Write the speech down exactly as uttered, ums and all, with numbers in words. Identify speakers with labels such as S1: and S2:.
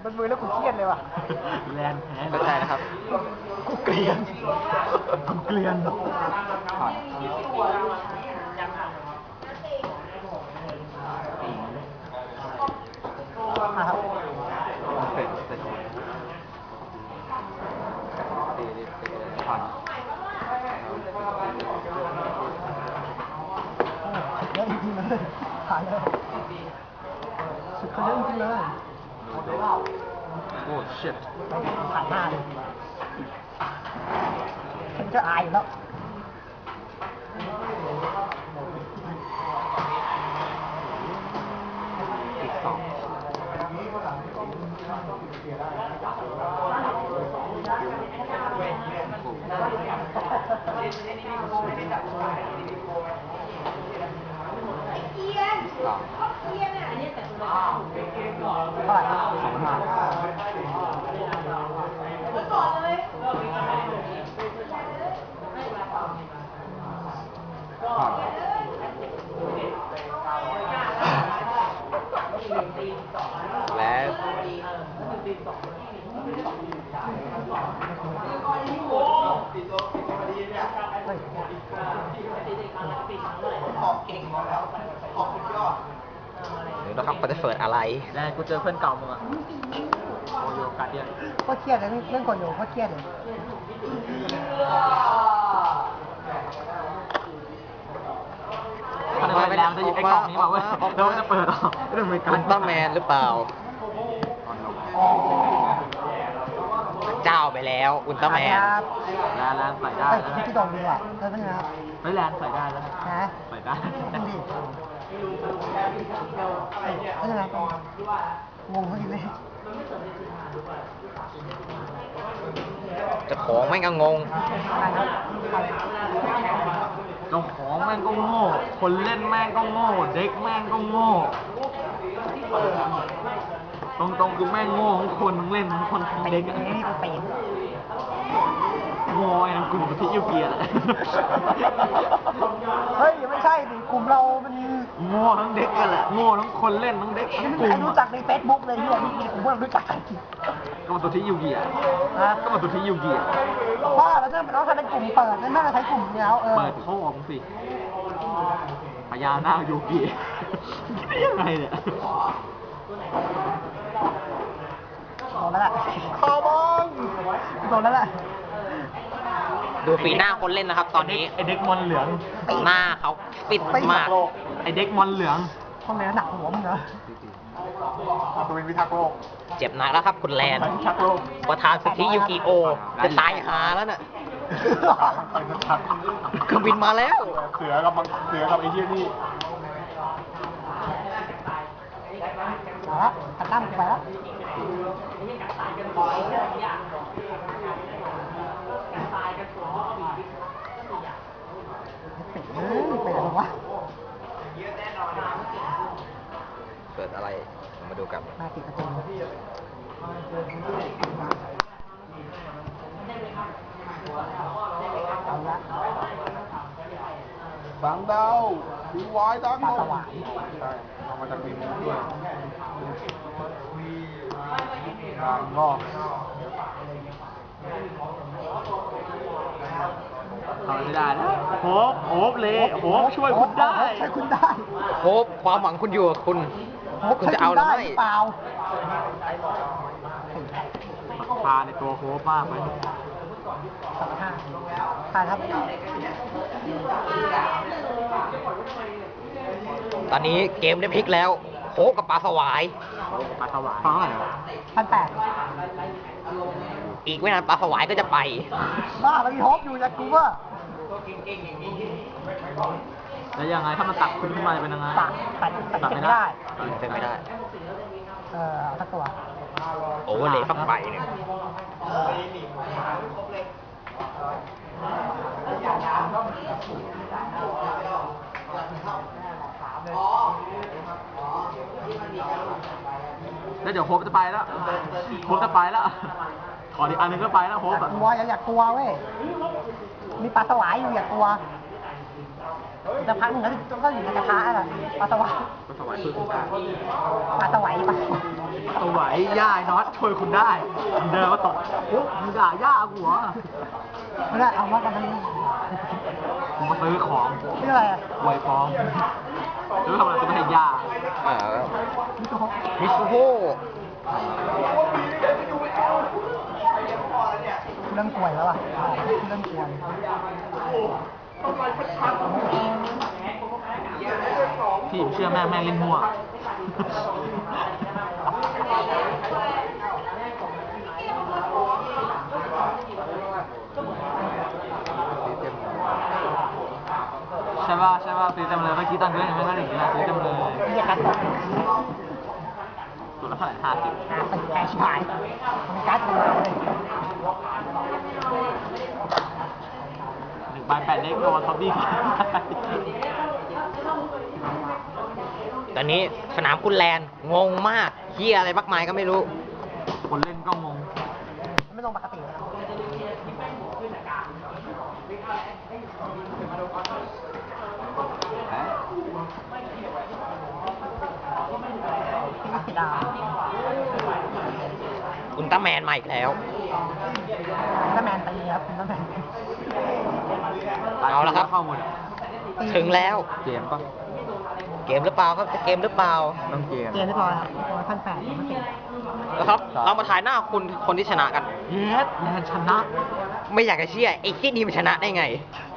S1: มันมือแล้วกูเครียดเลยว่ะ
S2: แลนแพ้
S3: เข้าใจนะครับ
S1: กูเกลียนกูเกลียนผ่านครับ
S3: เสร็จเสร็จตีตีตีผ่าน
S1: เยอะจริงๆเลยผ่านเลยสุดเขาเยอะจริงๆเลย
S3: โอ้ shit
S1: ผ่านหน้าเลยฉันจะอายอยู่แล้ว
S3: อีกสองสอง
S1: เท่าไหร่
S3: สองห้าผ่านและ
S1: เฮ้ย
S3: เดี๋ยวนะครับเขาจะเปิดอะไร
S2: แลนกูเจอเพื่อนเก่ามึงอะโอโยกาเดียน
S1: โคตรเครียดเลยเรื่องกดอยู่โคตรเครียดเลย
S2: ถ้าได้แลนจะหยิบไอ้กล่องนี้มาเว้ยแล้วมันจะเปิดออกเรื่องมือกั
S3: อุ
S2: น
S3: ลตร้าแมนหรือเปล่า เจ้าไปแล้ว อุลตร้าแมน
S1: ครับ
S2: แลนแลนใส่ได้
S1: เฮ้ย
S2: แล้วนะ
S1: ที่โดนดีกว่าเออเป็นไงครับ
S2: เฮ้ยแลนใส่ได้แล้วนะ
S1: ฮะ
S2: ใส่ได้
S1: นั่นดิเป็นไงงงเขาอยู่เลย
S3: เจะของไม่งก็งง
S1: ไปครับไป
S2: เจ้าของแม่งก็โง่ คนเล่นแม่งก็โง่ เด็กแม่งก็โง่ ตรงๆคือแม่งโง่ทั้งคนทั้งเล่นทั้งคนทั้ง
S1: ไป
S2: เด็ก
S1: เด็ก
S2: อะ
S1: นี่กูเป็น
S2: โง่ไอ้นั่นกลุ่มที่ยูเกียร์แหละ
S1: เฮ้ยไม่ใช่ดิกลุ่มเรา มัน
S2: โง่ทั้งเด็กกันแหละ โง่ทั้งคนเล่นทั้งเด็กทั้ง
S1: ไม่
S2: ก
S1: มี
S2: ลุ่
S1: ใคร
S2: ม
S1: รู้จักในเฟซบุ๊กเลยที่นี่กลุ่มพวกเรารู้จักกัน
S2: ก็มาตัวที่ยูเกียร์
S1: นะ
S2: ก็มาตัวที่ยูเกียร์
S1: ว่าแล้วถ้าเป็นน้องถ้าเป็นกลุ่มเปิดนั่นน่าจะใช้กลุ่มเดียวเออ
S2: เปิดพ่อมึงสิพญานาคยูเกียร์คิดได้ยังไงเนี่ย
S1: โดนแล้วแหละคอบองโดนแล้วแหละ
S3: ดูฝีหน้าคนเล่นนะครับ ตอนนี้
S2: ไอเด็กมอนเหลือง
S3: หน้าเขาปิดมาก
S2: ไอเด็กมอนเหลือง
S1: ห้องไหนหนักหัวมึงเหรอ
S2: ตัวเป็นพิทักษ์โลก
S3: เจ็บหนักแล้วครับคุณแลน
S2: พิทักษ์โลก
S3: ประธานสุทธิยูกิโอ จะตายหาแล้วน่ะ เครื่องบินมาแล้ว
S2: เสือกับมังเสือกับไอ้เหี้ยนี่
S1: เอาละตัดตั้มไปแล้วปิดเลยไปไหนวะ
S3: เปิดอะไรมาดูกัน
S1: มาปิดประตูเอาละ
S2: บางดาวดีวายดัง
S1: ปลาสวาย
S2: ใช่เอามาจากมีมุกด้วยงานงอกทำไม่ได้นะโฮปโฮปเลยโฮปช่วยคุณได้
S1: ช่วยคุณได้
S3: โฮปความหวังคุณอยู่กับคุณ
S1: โฮป
S3: คุณ
S1: ช่วย
S3: จะเอา
S1: คุณ
S3: หรือ
S1: ได้
S3: ไม่
S1: หรือเปล่า
S2: พาในตัวโฮปมากเลย
S1: สองห้าผ่านครับ
S3: ตอนนี้เกมได้พลิกแล้ว โฮปกับปลาสวาย
S2: ปลาสวายเท่าไหร่
S1: พันแปด
S3: อีกไม่นานปลาสวายก็จะไป
S1: บ้ามันมีโฮปอยู่อยากกูว่า
S2: แล้วยังไงถ้ามันตัดคุณขึ้นมาจะเป็นยังไง
S1: ตัดตัดตัด
S2: ตัด
S1: ไม่
S2: ไม่
S1: ได้
S2: ได้
S3: เป็นไม่ได้
S1: เออเอาสักตัว
S3: โอเวอร์เลยเข้าไปเนี่ย
S2: แล้วเดี๋ยวโฮปจะไปแล้วโฮปจะไปแล้วขออีกอันหนึงก็ไปแล้วโฮ
S1: อ
S2: ป
S1: ยาก
S2: อะ
S1: กลัวอย่าอยากกลัวเว้ย มีปลาสวายอยู่อยากกลัวจะพักหนึ่งแล้วก็อยู่ในกระทะอ่ะปลาสวาย
S2: ปลาสวายคือคุณตา
S1: ปลาสวายปะ
S2: สวยย่าไอ้น็อตช่วยคุณได้เดินมาตกโอ้มึงด่าย่ากูเหรอ
S1: ไม่ได้เอามากันทั้งนี้
S2: ผมมาซื้อของ
S1: นี่อะไรอ่ะ
S2: ไวฟ้องแล้วทำอะไรจะไม่ให้ย่า
S3: เออ
S1: นี่ก็
S3: มิซูโฮ
S1: เรื่องป่วยแล้วอ่ะเรื่องป่วย
S2: พี่ผมเชื่อแม่แม่เล่นมั่ว ใช่ป่ะใช่ป่ะตีเต็มเลยเมื่อกี้ตอนเล่นยังไม่ได้หนึ่งนะตีเต็มเลย
S1: เรียกการตก
S2: ตัวละเท่าไหร่ห้าสิบ
S1: หาตึกแกชิบหายมีการ์ดตัวเลย
S2: หนึ่งใบแปดเล็กโดนซอมบี้
S3: ตอนนี้สนามคุณแลนด์งงมากเฮียอะไรมากมายก็ไม่รู้
S2: คนเล่นก็งง
S1: ไม่ลงปกติเลยดาว
S3: อุลตร้าแมนมาอีกแล้ว
S1: ถ้าแมนตีครับถ้าแมน
S3: เอาละครับ
S2: เข้าหมด
S3: ถึงแล้ว
S2: เกมปะ
S3: เกมหรือเปล่าครับจะเกมหรือเปล่า
S2: ต้องเกม
S1: เกมเรียบร้อยครับตัวพันแปดปกติ
S3: แล้วครับ เรามาถ่ายหน้าคุณคนที่ชนะกัน
S2: เยสแลนชนะ
S3: ไม่อยากจะเชื่อไอ้ที่นี่มันชนะได้ไง
S2: ใ